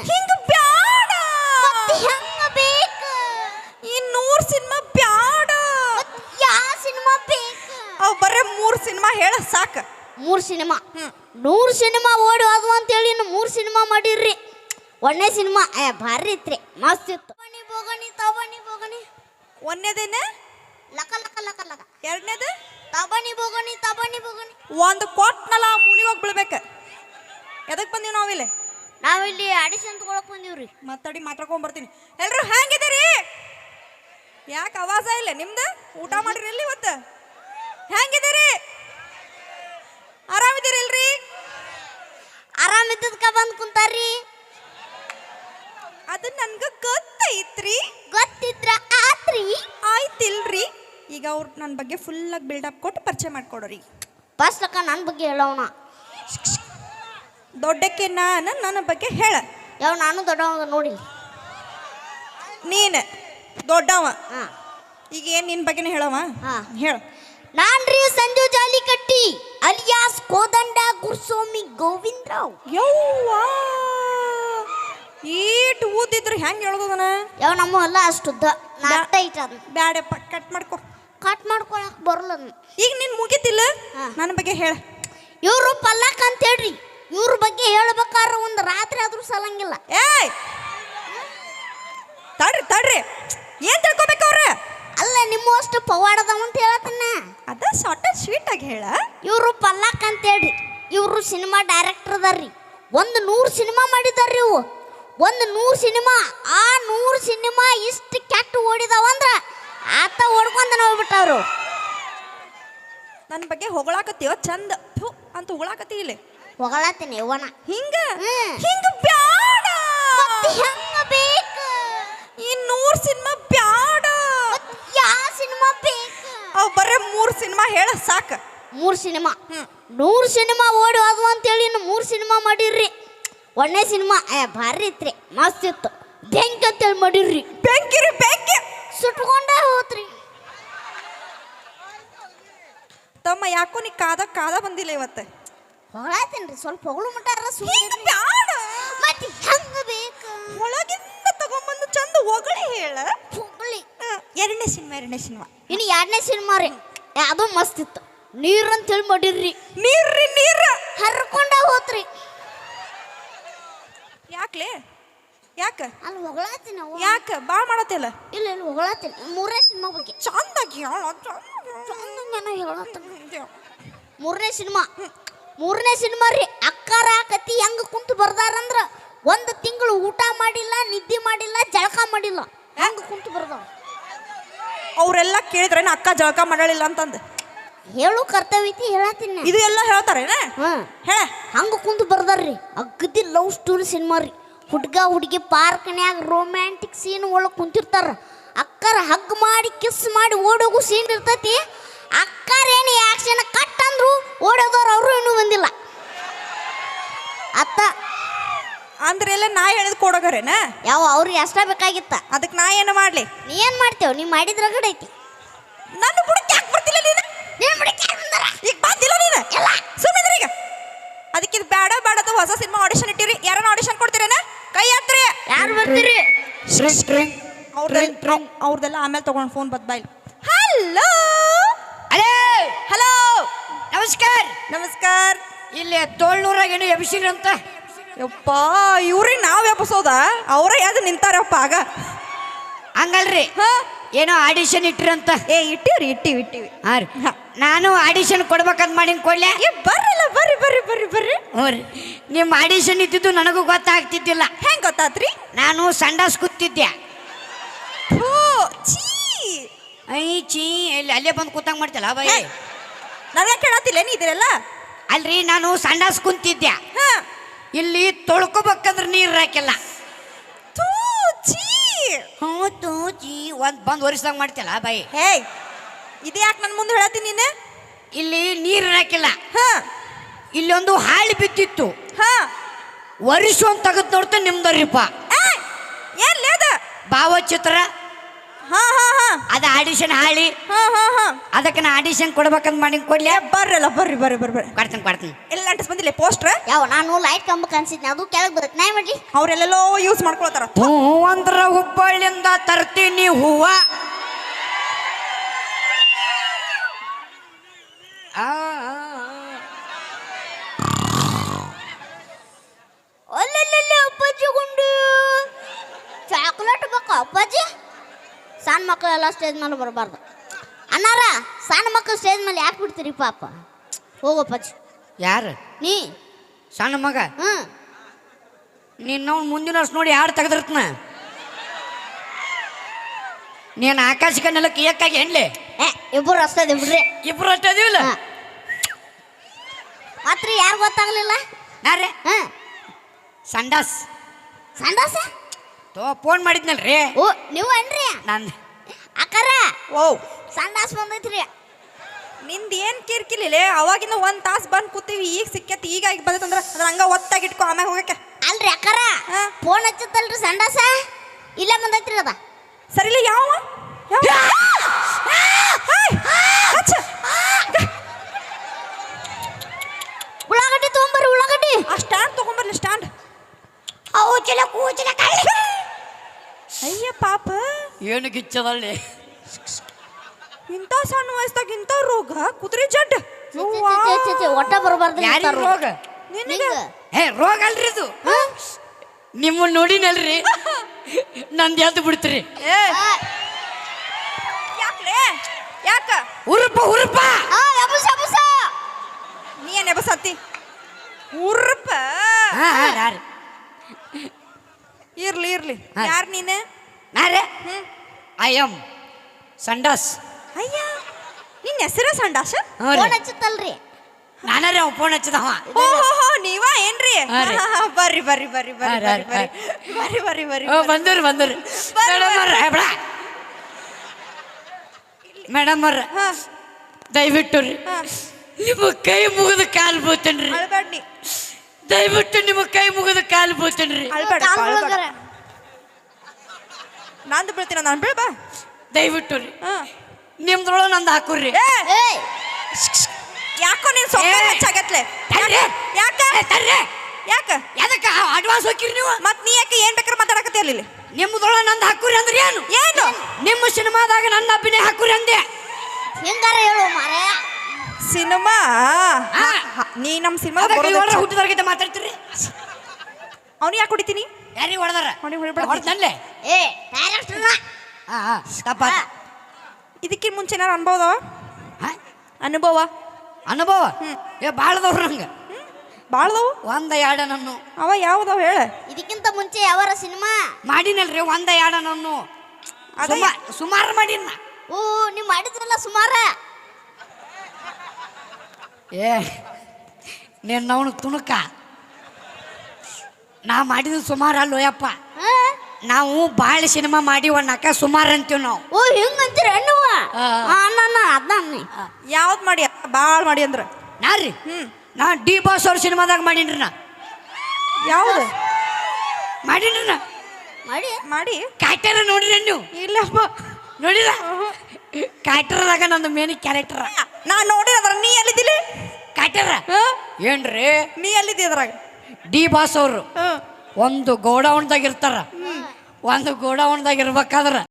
ಹಿಂಗ ಬ್ಯಾಡ ಹೆಂಗ ಬೇಕು ಈ 100 ಸಿನಿಮಾ ಬ್ಯಾಡ ಯಾ ಸಿನಿಮಾ ಬೇಕು ಅವ್ ಬರೇ 3 ಸಿನಿಮಾ ಹೇಳ ಸಾಕ 3 ಸಿನಿಮಾ 100 ಸಿನಿಮಾ ಓಡಿ ಹೋದ್ವು ಅಂತೇಳಿ ಇನ್ನು 3 ಸಿನಿಮಾ ಮಾಡಿರ್ರಿ ಒಂದೇ ಸಿನಿಮಾ ಭಾರಿ ಇತ್ರಿ ಮಸ್ತ್ ಇತ್ತು ತಬಣಿ ಒಂದೇದೇನ ಲಕ ಲಕ ಲಕ ಲಕ ಎರಡನೇದು ತಬಣಿ ಬೋಗಣಿ ಒಂದು ಕೊಟ್ನಲ್ಲ ಮೂಲಿ ಹೋಗಿ ಬೀಳ್ಬೇಕು ಎದಕ್ ಬಂದೀವಿ ನಾವಿಲ್ಲಿ ನಾವಿಲ್ಲಿ ಆಡಿಷನ್ ತಗೊಳಕ್ ಬಂದೀವ್ರಿ ಮಾತಾಡಿ ಮಾತಾಡ್ಕೊಂಡ್ ಬರ್ತೀನಿ ಎಲ್ರು ಹೆಂಗಿದ್ದೀರಿ ಯಾಕೆ ಆವಾಜ ಇಲ್ಲ ನಿಮ್ದು ಊಟ ಮಾಡಿರಿ ಇಲ್ಲಿ ಇವತ್ತು ಹೆಂಗಿದ್ದೀರಿ ಆರಾಮಿದ್ದೀರಿ ಇಲ್ರಿ ಆರಾಮಿದ್ದದ್ಕ ಬಂದ್ ಕುಂತಾರ್ರಿ ಅದು ನನ್ಗ ಗೊತ್ತೈತ್ರಿ ಗೊತ್ತಿದ್ರ ಆತ್ರಿ ಆಯ್ತಿಲ್ರಿ ಈಗ ಅವ್ರು ನನ್ನ ಬಗ್ಗೆ ಫುಲ್ಲಾಗಿ ಬಿಲ್ಡಪ್ ಕೊಟ್ಟು ಪರಿಚಯ ಮಾಡ್ಕೊಡೋರಿ ಫಸ್ಟ್ ಲಕ್ಕ ನನ್ನ ಬಗ್ಗೆ ಹೇಳೋಣ ದೊಡ್ಡಕ್ಕೆ ನನ್ನ ಬಗ್ಗೆ ಹೇಳ ಯಾವ ನಾನು ದೊಡ್ಡವ ನೋಡಿ ನೀನು ದೊಡ್ಡವ ಹಾ ಈಗ ಏನು ನಿನ್ನ ಬಗ್ಗೆನೇ ಹೇಳವ ಹಾ ಹೇಳ ನಾನ್ರಿ ಸಂಜು ಜಾಲಿಕಟ್ಟಿ ಅಲಿಯಾಸ್ ಕೋದಂಡ ಗುರುಸ್ವಾಮಿ ಗೋವಿಂದರಾವ್ ಯವ್ವಾ ಈಟ್ ಊದಿದ್ರು ಹೆಂಗೆ ಹೇಳ್ದದನ ಯಾವ ನಮ್ಮ ಎಲ್ಲ ಅಷ್ಟುದ್ದ ನಾಟ ಐಟ ಅದು ಬ್ಯಾಡಪ್ಪ ಕಟ್ ಮಾಡ್ಕೊ ಕಟ್ ಮಾಡ್ಕೊಳಕ್ ಬರಲ್ಲ ಈಗ ನಿನ್ ಮುಗಿತಿಲ್ಲ ನನ್ನ ಬಗ್ಗೆ ಹೇಳ ಇವ್ರು ಪಲ್ಲಕ್ ಅಂತ ಹೇಳ್ರಿ ಇವ್ರ ಬಗ್ಗೆ ಹೇಳ್ಬೇಕಾದ್ರೆ ಒಂದು ರಾತ್ರಿ ಆದ್ರೂ ಸಲಂಗಿಲ್ಲ ಏಯ್ ತಡ್ರಿ ಏನ್ ತಿಳ್ಕೊಬೇಕು ಅವ್ರ ಅಲ್ಲ ನಿಮ್ಮ ಅಷ್ಟು ಪವಾಡದವ ಅಂತ ಹೇಳತ್ತನ್ನ ಅದ ಶಾರ್ಟ್ ಅಂಡ್ ಸ್ವೀಟ್ ಆಗಿ ಹೇಳ ಇವ್ರು ಪಲ್ಲಕ್ ಅಂತ ಹೇಳ್ರಿ ಇವ್ರು ಸಿನಿಮಾ ಡೈರೆಕ್ಟರ್ ಅದಾರ್ರಿ ಒಂದು 100 ಸಿನಿಮಾ ಮಾಡಿದಾರ್ರಿ ಇವು ಒಂದು 100 ಸಿನಿಮಾ ಆ 100 ಸಿನಿಮಾ ಇಷ್ಟು ಕೆಟ್ಟ ಓಡಿದಾವಂದ್ರ ಆತ ಓಡ್ಕೊಂಡ ಹೋಗ್ಬಿಟ್ಟವ್ರು ನನ್ನ ಬಗ್ಗೆ ಹೊಗಳಾಕತ್ತೀವ ಚಂದ ಥು ಅಂತ ಹೊಗಳಾಕತ್ತಿ ಇಲ್ಲಿ ಹೊಗಳತ್ತೀನಿ ಇವನ ಹಿಂಗ ಬ್ಯಾಡ ಹೆಂಗ ಬೇಕು ಈ 100 ಸಿನಿಮಾ ಬ್ಯಾಡ ಯಾ ಸಿನಿಮಾ ಬೇಕು ಅವ್ ಬರೇ 3 ಸಿನಿಮಾ ಹೇಳ ಸಾಕ 3 ಸಿನಿಮಾ 100 ಸಿನಿಮಾ ಓಡಿ ಹೋದ್ವು ಅಂತೇಳಿ ಇನ್ನು 3 ಸಿನಿಮಾ ಮಾಡಿರ್ರಿ ಒಂದೇ ಸಿನಿಮಾ ಭಾರಿ ಇತ್ರಿ ಮಸ್ತ್ ಇತ್ತು ಬೆಂಕಿ ಅಂತೇಳಿ ಮಾಡಿರ್ರಿ ಬೆಂಕಿ ಸುಟ್ಕೊಂಡೇ ಹೋತ್ರಿ ತಮ್ಮ ಯಾಕೋ ನೀ ಕಾದ ಬಂದಿಲ್ಲ ಇವತ್ತು ಹೊಗಳಾತೇನ್ರಿ ಸ್ವಲ್ಪ ಹೊಗಳು ಮಟ್ಟಾರ ಬ್ಯಾಡ ಮತ್ತೆ ಹೆಂಗ ಬೇಕು ಒಳಗಿಂದ ತಗೊಂಬಂದು ಚಂದ ಹೊಗಳಿ ಹೇಳ ಹೊಗಳಿ ಎರಡನೇ ಸಿನಿಮಾ ಇನ್ನು 2ನೇ ಸಿನಿಮಾ ರೀ ಅದು ಮಸ್ತ್ ಇತ್ತು ನೀರು ಅಂತೇಳಿ ಮಾಡಿರ್ರಿ ನೀರು ಹರ್ಕೊಂಡ ಹೋತ್ರಿ ಯಾಕ್ಲೆ ಯಾಕ ಅಲ್ಲಿ ಹೊಗಳಾತೀನಿ ಯಾಕ ಬಾ ಮಾಡತ್ತಿಲ್ಲ ಇಲ್ಲ ಇಲ್ಲ ಹೊಗಳಾತೀನಿ 3ನೇ ಸಿನಿಮಾ ಬಗ್ಗೆ ಚಂದಾಗಿ ಹೇಳತ್ತೀನಿ 3ನೇ ಸಿನಿಮಾ ರೀ ಅಕ್ಕಾರ ಕತಿ ಹೆಂಗ ಕುಂತು ಬರ್ದಾರಂದ್ರ 1 ತಿಂಗಳು ಊಟ ಮಾಡಿಲ್ಲ ನಿದ್ದೆ ಮಾಡಿಲ್ಲ ಜಳಕ ಮಾಡಿಲ್ಲ ಹೆಂಗ ಕುಂತು ಬರ್ದಾವ ಅವರೆಲ್ಲ ಕೇಳಿದ್ರೆ ಅಕ್ಕ ಜಳಕ ಮಾಡಲಿಲ್ಲ ಅಂತಂದು ಹೇಳು ಕರ್ತವ್ಯ ಐತಿ ಹೇಳತ್ತೀನಿ ಇದು ಎಲ್ಲ ಹೇಳ್ತಾರೇನ ಹೇಳ ಹಂಗ ಕುಂತು ಬರ್ದಾರ್ರಿ ಅಗ್ದಿ ಲವ್ ಸ್ಟೋರಿ ಸಿನಿಮಾ ರೀ ಹುಡ್ಗ ಹುಡುಗಿ ಪಾರ್ಕ್ನ್ಯಾಗ ರೊಮ್ಯಾಂಟಿಕ್ ಸೀನ್ ಒಳಗೆ ಕುಂತಿರ್ತಾರ ಅಕ್ಕರ ಹಗ್ ಮಾಡಿ ಕಿಸ್ ಮಾಡಿ ಓಡೋಗು ಸೀನ್ ಇರ್ತೈತಿ ಅಕ್ಕರ ಏನು ಆಕ್ಷನ್ ಕಟ್ ಅಂದ್ರು ಓಡೋದವ್ರು ಅವರು ಇನ್ನೂ ಬಂದಿಲ್ಲ ಅತ್ತ ಅಂದ್ರೆ ಎಲ್ಲ ನಾ ಹೇಳಿದ್ ಕೊಡೋಗರೇನ ಯಾವ ಅವ್ರಿಗೆ ಅಷ್ಟ ಬೇಕಾಗಿತ್ತ ಅದಕ್ಕೆ ನಾ ಏನು ಮಾಡ್ಲಿ ನೀ ಏನ್ ಮಾಡ್ತೇವ ನೀ ಮಾಡಿದ್ರ ಗಡ ಐತಿ ನನ್ನ ಬುಡಕ್ಕೆ ಯಾಕೆ ಬರ್ತಿಲ್ಲ ನೀನು ಈಗ ಬಂದಿಲ್ಲ ನೀನು ಎಲ್ಲ ಸುಮ್ಮನೆ ಈಗ ಅದಕ್ಕೆ ಇದು ಬೇಡ ಹೊಸ ಸಿನಿಮಾ ಆಡಿಷನ್ ಇಟ್ಟಿರಿ ಯಾರನ್ನ ಆಡಿಷನ್ ಕೊಡ್ತೀರೇನ ಕೈ ಹತ್ರಿ ಯಾರು ಬರ್ತೀರಿ ಅವ್ರದೆಲ್ಲ ಆಮೇಲೆ ತಗೊಂಡು ಫೋನ್ ಬೈಲ್ ಹಲೋ ಹಲೋ ನಮಸ್ಕಾರ ಇಲ್ಲಿ ತೋಳ್ನೂರಾಗ ಏನು ಎಬ್ಸಿರಿ ಅಂತ ಯಪ್ಪ ಇವ್ರಿಗೆ ನಾವ್ ಎಬ್ಸೋದ ಅವರೇ ಯಾವ್ದು ನಿಂತಾರಪ್ಪ ಆಗ ಹಂಗಲ್ರಿ ಏನೋ ಆಡಿಷನ್ ಇಟ್ಟಿರಂತ ಇಟ್ಟಿವಿ ಹಾಂ ರೀ ನಾನು ಆಡಿಷನ್ ಕೊಡ್ಬೇಕಂತ ಮಾಡಿ ಕೊಡ್ಲೆ ಬರ್ರಲ್ಲ ಬರ್ರಿ ಹ್ಞೂ ರೀ ನಿಮ್ಮ ಆಡಿಷನ್ ಇದ್ದಿದ್ದು ನನಗೂ ಗೊತ್ತಾಗ್ತಿದ್ದಿಲ್ಲ ಹೆಂಗ್ ಗೊತ್ತಾತ್ರಿ ನಾನು ಸಂಡಾಸ್ ಕೂತಿದ್ದೆ ಐ ಚೀ ಇಲ್ಲಿ ಅಲ್ಲೇ ಬಂದು ಕೂತಂಗ್ ಮಾಡ್ತಿಲ್ಲ ಬೈ ನನಗೆ ಕೇಳತ್ತಿಲ್ಲ ನೀ ಇದೆಲ್ಲ ಅಲ್ರಿ ನಾನು ಸಂಡಾಸ್ ಕುಂತಿದ್ದೆ ಇಲ್ಲಿ ತೊಳ್ಕೊಬೇಕಂದ್ರೆ ನೀರು ಹಾಕಿಲ್ಲ ಹ್ಞೂ ಚೀ ಬಂದು ಒರಿಸ್ದಂಗೆ ಮಾಡ್ತಿಲ್ಲ ಬೈ ಇದು ಯಾಕೆ ನನ್ನ ಮುಂದೆ ಹೇಳತ್ತೀನಿ ನೀನು ಇಲ್ಲಿ ನೀರು ಹಾಕಿಲ್ಲ ಇಲ್ಲೊಂದು ಹಾಳಿ ಬಿದ್ದಿತ್ತು ಒರಿಸು ಅಂತ ತೆಗೆದು ನೋಡ್ತಾ ನಿಮ್ದರಿಪ್ಪ ಏನ್ ಲೇದ ಭಾವಚಿತ್ರ ಹಾ ಹಾ ಹಾ ಅದ ಆಡಿಷನ್ ಹಾಳಿ ಹಾ ಹಾ ಹಾ ಅದಕ್ಕೆ ನಾ ಆಡಿಷನ್ ಕೊಡ್ಬೇಕಂತ ಮಾಡಿ ಕೊಡ್ಲಿ ಬರ್ರಲ್ಲ ಬರ್ರಿ ಬರ್ರಿ ಬರ್ರಿ ಬರ್ರಿ ಕೊಡ್ತೀನಿ ಎಲ್ಲ ಅಂಟಿಸ್ ಬಂದಿಲ್ಲ ಪೋಸ್ಟ್ರ ಯಾವ ನಾನು ಲೈಟ್ ಕಂಬಕ್ಕೆ ಅನ್ಸಿದ್ನಿ ಅದು ಕೆಳಗೆ ಬರುತ್ತೆ ನಾ ಮಾಡ್ಲಿ ಅವ್ರೆಲ್ಲೆಲ್ಲೋ ಯೂಸ್ ಮಾಡ್ಕೊಳ್ತಾರ ಹೂ ಅಂದ್ರ ಹುಬ್ಬಳ್ಳಿಯಿಂದ ತರ್ತೀನಿ ಹೂವ ಅಲ್ಲಲ್ಲಿ ಅಪ್ಪಾಜಿ ಗುಂಡು ಚಾಕ್ಲೇಟ್ ಬೇಕಾ ಅಪ್ಪಾಜಿ ಸಣ್ಣ ಮಕ್ಕಳೆಲ್ಲ ಸ್ಟೇಜ್ ಮೇಲೆ ಬರಬಾರ್ದು ಅನ್ನಾರ ಸಣ್ಣ ಮಕ್ಕಳು ಸ್ಟೇಜ್ ಮೇಲೆ ಯಾಕೆ ಬಿಡ್ತೀರಿ ಪಾಪ ಹೋಗಪ್ಪಾಜಿ ಯಾರು ನೀ ಸಣ್ಣ ಮಗ ಹ್ಞೂ ನಿನ್ನ ಮುಂದಿನ ವರ್ಷ ನೋಡಿ ಯಾರು ತೆಗೆದಿರ್ತನ ನೀನು ಆಕಾಶಕ್ಕೆ ನೆಲಕ್ಕೆ ಏಕಾಗಿ ಹೆಣ್ಲೆ ಇಬ್ಬರು ಅಷ್ಟೇ ಬಿಡ್ರಿ ಇಬ್ರು ಅಷ್ಟೇ ಅದೀವಿಲ್ಲ ಮಾತ್ರ ಯಾರು ಗೊತ್ತಾಗ್ಲಿಲ್ಲ ನಾರೇ ಹಾಂ ಸಂಡಾಸ್ ಸಂಡಾಸ ಫೋನ್ ಮಾಡಿದ್ನಲ್ರಿ ಓ ನೀವು ಅನ್ರಿ ನಾನು ಅಕ್ಕಾರ ಓ ಸಂಡಾಸ್ ಬಂದೈತ್ರಿ ನಿಂದ ಏನ್ ಕಿರ್ಕಿಲಿಲ್ಲ ಅವಾಗಿಂದ ಒಂದ್ ತಾಸ್ ಬಂದ್ ಕೂತೀವಿ ಈಗ ಸಿಕ್ಕೈತಿ ಈಗ ಈಗ ಬಂದೈತಂದ್ರ ಅದ್ರ ಹಂಗ ಒತ್ತಾಗಿಟ್ಕೊ ಆಮ್ಯಾಗ ಹೋಗಕ್ಕೆ ಅಲ್ರಿ ಅಕ್ಕಾರ ಹಾ. ಫೋನ್ ಹಚ್ಚತ್ತಲ್ರಿ ಸಂಡಾಸ ಇಲ್ಲೇ ಬಂದೈತ್ರಿ ಅದ ಸರಿಲ್ಲ ಯಾವ ಉಳ್ಳಾಗಡ್ಡಿ ತೊಗೊಂಬರ್ರಿ ಉಳ್ಳಾಗಡ್ಡಿ ಆ ಸ್ಟ್ಯಾಂಡ್ ತಗೊಂಬರ್ಲಿ ಸ್ಟ್ಯಾಂಡ್ ಕೂಚಲ ಅಯ್ಯ ಪಾಪ ಏನು ಗಿಚ್ಚದಲ್ಲಿ ಇಂಥ ಸಣ್ಣ ವಯಸ್ಸಾಗ ಇಂಥ ರೋಗ ಕುದುರೆ ಜಡ್ ಒಟ್ಟ ಬರಬಾರ್ದು ಯಾರಿಗ ರೋಗ ನಿನಗೆ ಹೇ ರೋಗ ಅಲ್ರಿ ಇದು ನಿಮ್ಮನ್ನ ನೋಡಿನಲ್ರಿ ನಂದು ಎದ್ದು ಬಿಡ್ತೀರಿ ಯಾಕ್ಲೆ ಯಾಕ ಹುರುಪ ಹುರುಪ ನೀ ಏನ್ ಎಬಸತ್ತಿ ಉರ್ಪ ಇರ್ಲಿ ಇರ್ಲಿ ಹಾ. ಯಾರ್ ನೀನೆ ನಾರೇ ಐ ಎಮ್ ಸಂಡಾಸ್ ಅಯ್ಯ ನಿನ್ನ ಹೆಸರ ಸಂಡಾಸ ಫೋನ್ ಹಚ್ಚತ್ತಲ್ರಿ ನಾನಾರೇ ಅವ ಫೋನ್ ಹಚ್ಚದವ ಓಹೋ ನೀವ ಏನ್ರಿ ಹಾ ರೀ. ಬರ್ರಿ ಬರ್ರಿ ಬರ್ರಿ ಬರ್ರಿ ಹಾ, ಬರ್ರಿ ಬರ್ರಿ ಬರ್ರಿ ಬರ್ರಿ ಬಂದರು ಬರ್ರಿ. ಮೇಡಮ್ ಅವ್ರ ಹಾ ದಯವಿಟ್ಟು ರೀ ಹಾ ನಿಮ್ಮ ಕೈ ಮುಗಿದು ಕಾಲು ಬೀಳ್ತೇನ್ರಿ ಅಳ್ಬೇಡ ನೀ ದಯವಿಟ್ಟು ನಿಮ್ಮ ಕೈ ಮುಗಿದು ಕಾಲು ಬೀಳ್ತೇನ್ರಿ ಅಳ್ಬೇಡ ನಂದು ಬೀಳ್ತೀನ ನಾನು ಬೀಳ್ಬಾ ದಯವಿಟ್ಟು ರೀ ಹಾ ನಿಮ್ದ್ರೊಳಗೆ ನಂದು ಹಾಕುರ್ರಿ ಏ ಯಾಕೋ ನೀನ್ ಸೊಕ್ಕ ಏ. ಹೆಚ್ಚಾಗತ್ಲೆ ತರ್ರಿ. ಯಾಕ ತರ್ರಿ. ಯಾಕ ಎದಕ್ಕೆ ಅಡ್ವಾನ್ಸ್ ಹೋಗಿರಿ ನೀವು ಮತ್ ನೀ ಯಾಕೆ ಏನ್ ಬೇಕಾದ್ರೆ ಮಾತಾಡಕತ್ತಿ ಅಲ್ಲಿ ನಿಮ್ದ್ರೊಳಗೆ ನಂದು ಹಾಕುರಿ ಅಂದ್ರೆ ಏನು ಏನು ನಿಮ್ಮ ಸಿನಿಮಾದಾಗ ನನ್ನ ಅಭಿನಯ ಹಾಕುರಿ ಅಂದೆ ಹೆಂಗಾರ ಹೇಳು ಮಾರೇ ಸಿನಿಮಾ ಹಾ. ನೀ ನಮ್ಮ ಸಿನಿಮಾ ಹುಟ್ಟಿದವ್ರಿಗೆ ಮಾತಾಡ್ತೀರಿ ಅವ್ನು ಯಾಕೆ ಹೊಡಿತೀನಿ ಯಾರಿಗೆ ಹೊಡೆದಾರ ಅವ್ನಿಗೆ ಹೊಡಿಬೇಡ. ಹೊಡೆದಲ್ಲೇ ಏ ಡೈರೆಕ್ಟರ್ನ ತಪ್ಪ ಇದಕ್ಕಿಂತ ಮುಂಚೆ ಏನಾರು ಅನುಭವ ಅನುಭವ ಏ ಬಾಳದವ್ರು ನಂಗೆ ಬಾಳ್ದವು ಒಂದ ಎರಡ ನನ್ನು ಅವ ಯಾವ್ದವ ಹೇಳ ಇದಕ್ಕಿಂತ ಮುಂಚೆ ಯಾವಾರ ಸಿನಿಮಾ ಮಾಡಿನಲ್ರಿ ಒಂದ ಎರಡ ನನ್ನು ಅದೇ. ಸುಮಾರು ಮಾಡಿನ ಓ ನೀವು ಮಾಡಿದ್ರಲ್ಲ ಸುಮಾರ ಏ ನಿನ್ನವನು ತುಣುಕ ನಾ ಮಾಡಿದ ಸುಮಾರು ಅಲ್ಲೋಯಪ್ಪ ಹಾ? ನಾವು ಭಾಳ ಸಿನಿಮಾ ಮಾಡಿವನ್ನಕ ಸುಮಾರು ಅಂತೀವಿ ನಾವು ಓ ಹಿಂಗಂತೀರ ಅನ್ನುವ ಆ. ಅನ್ನ ಅದ್ನಿ ಯಾವ್ದು ಮಾಡಿ ಬಾಳ್ ಮಾಡಿ ಅಂದ್ರ ನಾರಿ ನಾ ಡಿ ಬಾಸ್ ಅವ್ರ ಸಿನಿಮಾದಾಗ ಮಾಡೀನ್ರಿ ನಾ ಯಾವ್ದು ಮಾಡೀನ್ರಿ ನಾ ಮಾಡಿ ಮಾಡಿ ಕ್ಯಾರೆಕ್ಟರ್ ನೋಡಿರಿ ನೀವು ಇಲ್ಲಪ್ಪ ನೋಡಿಲ್ಲ ಕ್ಯಾರೆಕ್ಟರ್ದಾಗ ನಂದು ಮೇನ್ ಕ್ಯಾರೆಕ್ಟರ್ ನಾ ನೋಡಿದ್ರ ನೀ ಎಲ್ಲಿದ್ದಿಲ್ಲ ಕ್ಯಾರೆಕ್ಟರ್ ಏನ್ರಿ ನೀ ಎಲ್ಲಿದ್ದಿ ಅದ್ರಾಗ ಡಿ ಬಾಸ್ ಅವರು ಒಂದು ಗೋಡೌನ್ದಾಗ ಇರ್ತಾರ ಒಂದು ಗೋಡೌನ್ದಾಗ ಇರ್ಬೇಕಾದ್ರ